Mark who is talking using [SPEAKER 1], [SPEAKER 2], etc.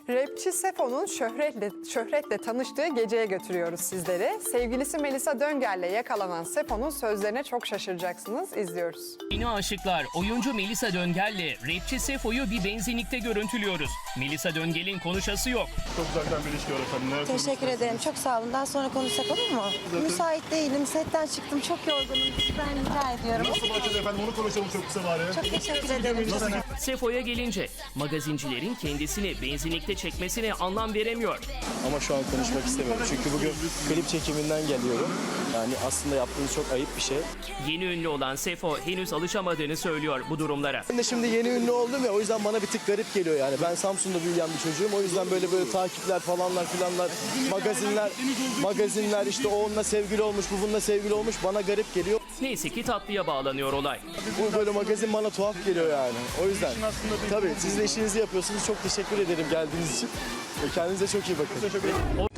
[SPEAKER 1] Rapçi Sefo'nun şöhretle tanıştığı geceye götürüyoruz sizleri. Sevgilisi Melisa Döngel'le yakalanan Sefo'nun sözlerine çok şaşıracaksınız. İzliyoruz.
[SPEAKER 2] Yeni aşıklar oyuncu Melisa Döngel'le rapçi Sefo'yu bir benzinlikte görüntülüyoruz. Melisa Döngel'in konuşası yok.
[SPEAKER 3] Çok uzaktan bir ilişki var efendim. Neler
[SPEAKER 4] Teşekkür ederim. Çok sağ olun. Daha sonra konuşsak olur mu? Müsait değilim. Setten çıktım. Çok yorgunum. Ben rica ediyorum.
[SPEAKER 3] Nasıl başladı efendim? Onu konuşalım çok kısa bari.
[SPEAKER 4] Çok teşekkür ederim.
[SPEAKER 2] Sefo'ya gelince magazincilerin kendisini benzinlikte çekmesine anlam veremiyor.
[SPEAKER 5] Ama şu an konuşmak istemiyorum. Çünkü bugün klip çekiminden geliyorum. Yani aslında yaptığınız çok ayıp bir şey.
[SPEAKER 2] Yeni ünlü olan Sefo henüz alışamadığını söylüyor bu durumlara.
[SPEAKER 5] Ben de şimdi yeni ünlü oldum ya, o yüzden bana bir tık garip geliyor yani. Ben Samsun'da büyüyen bir çocuğum. O yüzden böyle takipler falanlar filanlar, magazinler işte o onunla sevgili olmuş, bu bununla sevgili olmuş, bana garip geliyor.
[SPEAKER 2] Neyse ki tatlıya bağlanıyor olay.
[SPEAKER 5] Bu böyle magazin bana tuhaf geliyor yani. O yüzden tabii siz de işinizi yapıyorsunuz. Çok teşekkür ederim geldiğiniz için. Kendinize çok iyi bakın.